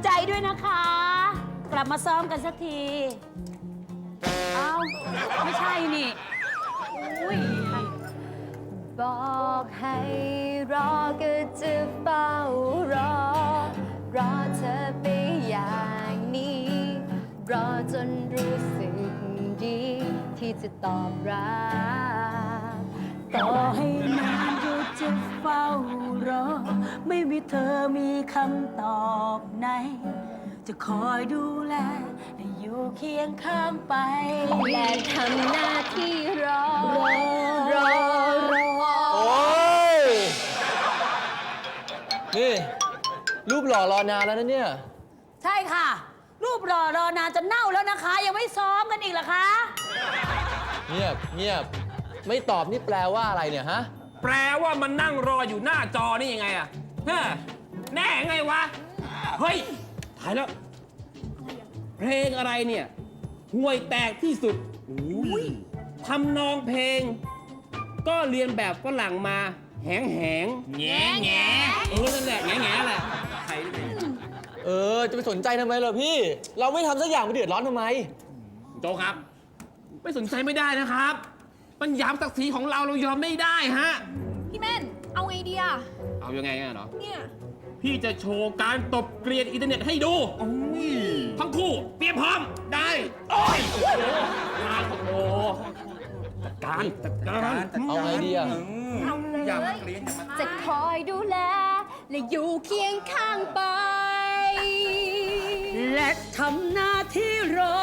ใจด้วยนะคะ กลับมาซ้อมกันสักที เอ้า ไม่ใช่นี่อุ้ยบอกให้รอก็จะเฝ้ารอ รอเธอไปอย่างนี้ รอจนรู้สึกดีที่จะตอบรับต่อให้นานก็จะเฝ้ารอ ไม่มีเธอมีคำตอบไหน จะคอยดูแลและอยู่เคียงข้างไปและทำหน้าที่รอรอโอ้ย นี่ รูปหล่อรอนานแล้วนะเนี่ยใช่ค่ะ รูปรอนานจะเน่าแล้วนะคะ ยังไม่ซ้อมกันอีกเหรอคะเงียบเงียบ ไม่ตอบนี่แปลว่าอะไรเนี่ยฮะแปลว่ามันนั่งรออยู่หน้าจอนี่ยังไงอะฮะแน่ไงวะ เฮ้ยถ่ายแล้ว เพลงอะไรเนี่ยห่วยแตกที่สุดทำนองเพลง ก็เรียนแบบฝรั่งมาแหงแง่แง่นั่นแหละแง่แง่แหละใครจะไปสนใจทำไมเหรอพี่ เราไม่ทำสักอย่างไปเดือดร้อนทำไมโจครับ ไม่สนใจไม่ได้นะครับ มันย้ำศักดิ์ศรีของเรายอมไม่ได้ฮะพี่แม่น เอาไงดีอะเอายังไงอะเนาะเนี่ยพี่จะโชว์การตบเกลียนอินเทอร์เน็ตให้ดูทั้งคู่เตรียมพร้อมได้โอ้ยโอ้โหจัดการเอาไงดีอะเอาเลยจะคอยดูแล และอยู่เคียงข้างไปและทำหน้าที่รอ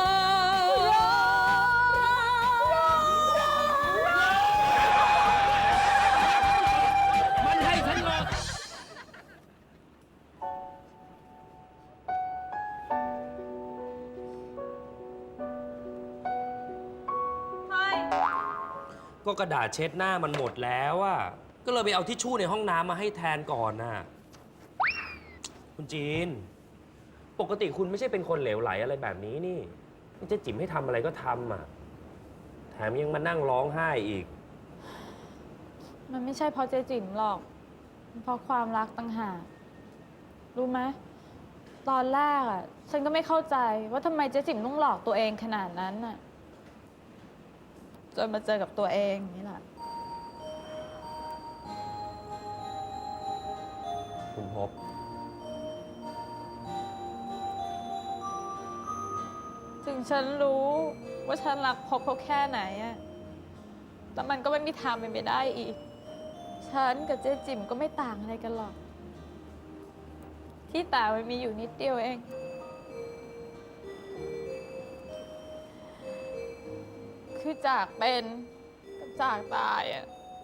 มันให้ฉันรอก็กระดาษเช็ดหน้ามันหมดแล้วอะก็เลยไปเอาทิชชู่ในห้องน้ำมาให้แทนก่อนน่ะ คุณจีน ปกติคุณไม่ใช่เป็นคนเหลวไหลอะไรแบบนี้นี่เจ๊จิ๋มให้ทำอะไรก็ทำอ่ะ แถมยังมานั่งร้องไห้อีกมันไม่ใช่เพราะเจ๊จิ๋มหรอกมันเพราะความรักต่างหาก รู้ไหม ตอนแรกอ่ะ ฉันก็ไม่เข้าใจว่าทำไมเจ๊จิ๋มต้องหลอกตัวเองขนาดนั้นน่ะ จนมาเจอกับตัวเองนี่แหละคุณพบถึงฉันรู้ว่าฉันรักพบเขาแค่ไหนอะแต่มันก็ไม่มีทางเป็นไปได้อีก ฉันกับเจ๊จิ๋มก็ไม่ต่างอะไรกันหรอก ที่ต่างมันมีอยู่นิดเดียวเอง คือจากเป็นกับจากตายอะ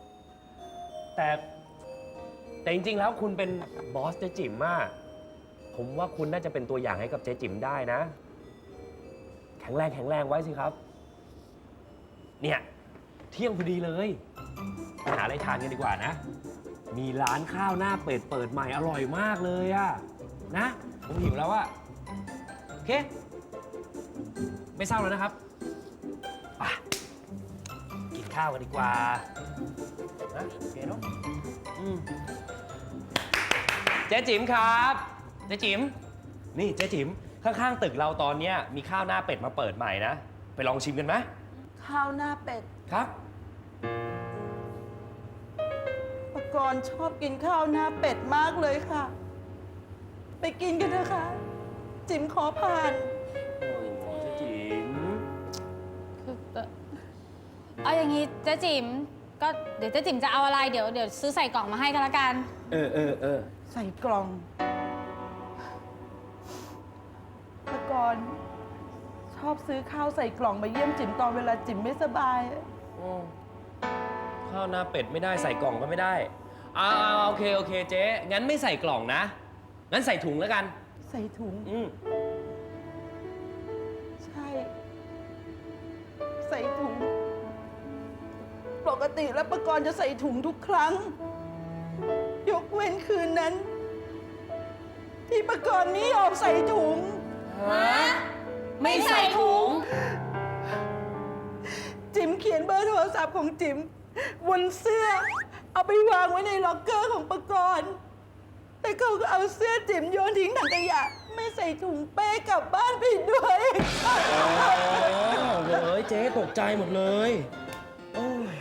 แต่จริงๆแล้วคุณเป็นบอสเจ๊จิ๋มมากผมว่าคุณน่าจะเป็นตัวอย่างให้กับเจ๊จิ๋มได้นะ แข็งแรงไว้สิครับ เนี่ยเที่ยงพอดีเลยไปหาอะไรทานกันดีกว่านะ มีร้านข้าวหน้าเป็ดเปิดใหม่อร่อยมากเลยอะนะผมหิวแล้วอะโอเค ไม่เศร้าแล้วนะครับไปกินข้าวกันดีกว่านะโอเคเนาะเจ๊จิ๋มครับเจ๊จิ๋มนี่เจ๊จิ๋มข้างๆตึกเราตอนเนี้ยมีข้าวหน้าเป็ดมาเปิดใหม่นะไปลองชิมกันไหมข้าวหน้าเป็ดครับปกรณ์ชอบกินข้าวหน้าเป็ดมากเลยค่ะ ไปกินกันเถอะค่ะ จิ๋มขอผ่านโอ้เจ๊จิ๋มคือแต่เอาอย่างนี้เจ๊จิ๋มก็เดี๋ยวเจ๊จิ๋มจะเอาอะไรเดี๋ยวซื้อใส่กล่องมาให้ก็แล้วกันเออใส่กล่องปกรณ์ชอบซื้อข้าวใส่กล่องมาเยี่ยมจิ๋มตอนเวลาจิ๋มไม่สบายข้าวหน้าเป็ดไม่ได้ใส่กล่องก็ไม่ได้โอเคเจ๊งั้นไม่ใส่กล่องนะงั้นใส่ถุงแล้วกันใส่ถุง ใช่ ใส่ถุง ปกติแล้วปกรณ์จะใส่ถุงทุกครั้ง ยกเว้นคืนนั้น ที่ปกรณ์ไม่ยอมใส่ถุงไม่ใส่ถุงจิ๋มเขียนเบอร์โทรศัพท์ของจิ๋มบนเสื้อ เอาไปวางไว้ในล็อกเกอร์ของปกรณ์แต่เขาก็เอาเสื้อจิ๋มโยนทิ้งถังขยะ ไม่ใส่ถุงเป้กลับบ้านไปด้วยเฮ้ยเจ๊ตกใจหมดเลย โอ้ย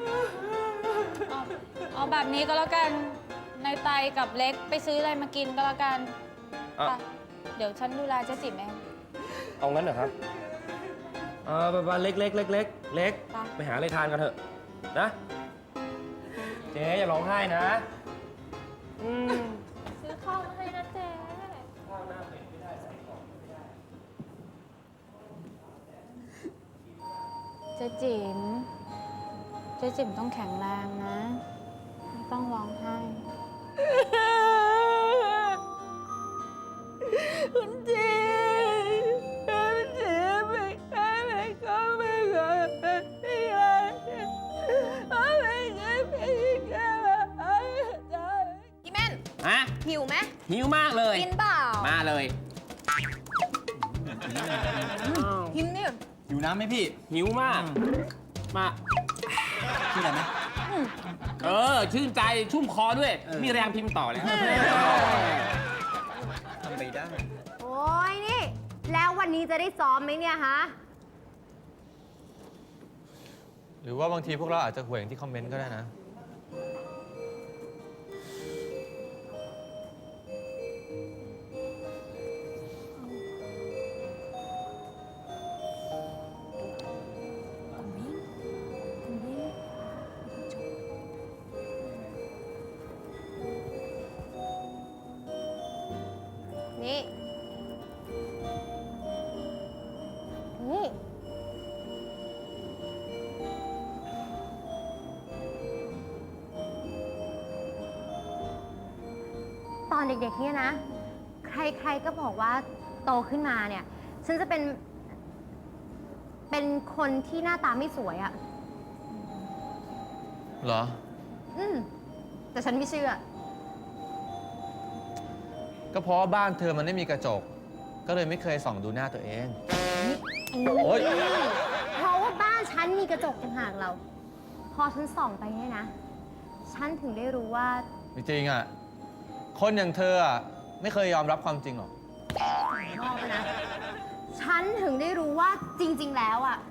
เอาแบบนี้ก็แล้วกัน ในไตกับเล็กไปซื้ออะไรมากินก็แล้วกันอ่ะไปเดี๋ยวฉันดูแลเจ๊จิ๋มเองเอางั้นเหรอครับไปเล็กไปหาอะไรทานกันเถอะ นะ เจ๊อย่าร้องไห้นะซื้อข้าวมาให้นะเจ๊เจ๊จิ๋มเจ๊จิ๋มต้องแข็งแรงนะ ไม่ต้องร้องไห้คุณจีคุณจีไม่ได้ไม่ก็ไม่ก็ไม่ได้ไม่ได้ไม่ได้พี่แม่นฮะหิวไหมหิวมากเลยกินเปล่ามาเลยกินนี่อยู่น้ำไหมพี่หิวมาก มาชื่ออะไรไหมชื่นใจชุ่มคอด้วย มีแรงพิมพ์ต่อแล้วทำไปได้โอ้ยนี่ แล้ววันนี้จะได้ซ้อมไหมเนี่ยฮะหรือว่าบางทีพวกเราอาจจะห่วยอย่างที่คอมเมนต์ก็ได้นะนี่ นี่ ตอนเด็กๆเนี่ยนะ ใครๆก็บอกว่าโตขึ้นมาเนี่ย ฉันจะเป็นคนที่หน้าตาไม่สวยอะ่ะเหรอแต่ฉันไม่เชื่อก็เพราะว่าบ้านเธอมันไม่มีกระจก ก็เลยไม่เคยส่องดูหน้าตัวเอง โอ๊ยเพราะว่าบ้านฉันมีกระจกต่างหากเรา พอฉันส่องไปเนี่ยนะ ฉันถึงได้รู้ว่าจริงๆอ่ะ คนอย่างเธออ่ะไม่เคยยอมรับความจริงหรอกนอกนะ ฉันถึงได้รู้ว่าจริง ๆ แล้วอ่ะ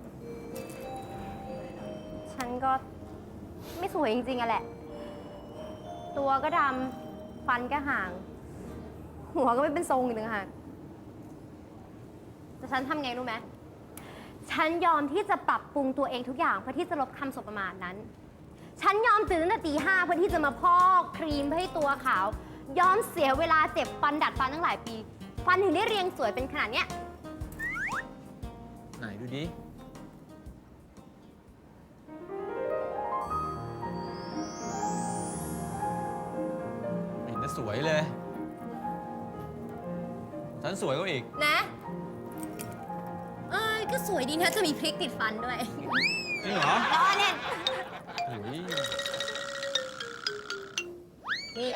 ฉันก็ไม่สวยจริงๆอะแหละ ตัวก็ดำ ฟันก็ห่าง หัวก็ไม่เป็นทรงอีกต่างหากแต่ฉันทำไงรู้ไหม ฉันยอมที่จะปรับปรุงตัวเองทุกอย่างเพื่อที่จะลบคำสบประมาทนั้น ฉันยอมตื่นตั้งแต่ตี 5เพื่อที่จะมาพอกครีมเพื่อให้ตัวขาว ยอมเสียเวลาเจ็บฟันดัดฟันตั้งหลายปี ฟันถึงได้เรียงสวยเป็นขนาดเนี้ยไหนดูดิ ไม่เห็นจะสวยเลย ฉันสวยกว่าอีกนะ ก็สวยดีนะจะมีพริกติดฟันด้วยจริงเหรอล้อเล่นโอ้ยนี่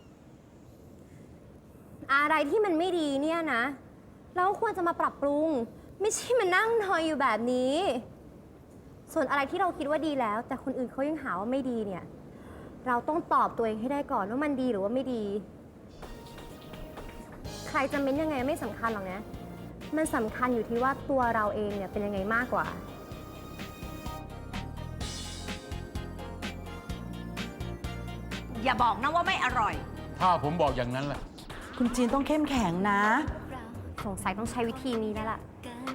อะไรที่มันไม่ดีเนี่ยนะ เราควรจะมาปรับปรุง ไม่ใช่มานั่งนอยอยู่แบบนี้ ส่วนอะไรที่เราคิดว่าดีแล้ว แต่คนอื่นเขายังหาว่าไม่ดีเนี่ย เราต้องตอบตัวเองให้ได้ก่อนว่ามันดีหรือว่าไม่ดี ใครจะเม้นยังไงไม่สำคัญหรอกนะ มันสำคัญอยู่ที่ว่าตัวเราเองเนี่ยเป็นยังไงมากกว่าอย่าบอกนะว่าไม่อร่อยถ้าผมบอกอย่างนั้นแหละคุณจีนต้องเข้มแข็งนะสงสัยต้องใช้วิธีนี้แล้วล่ะ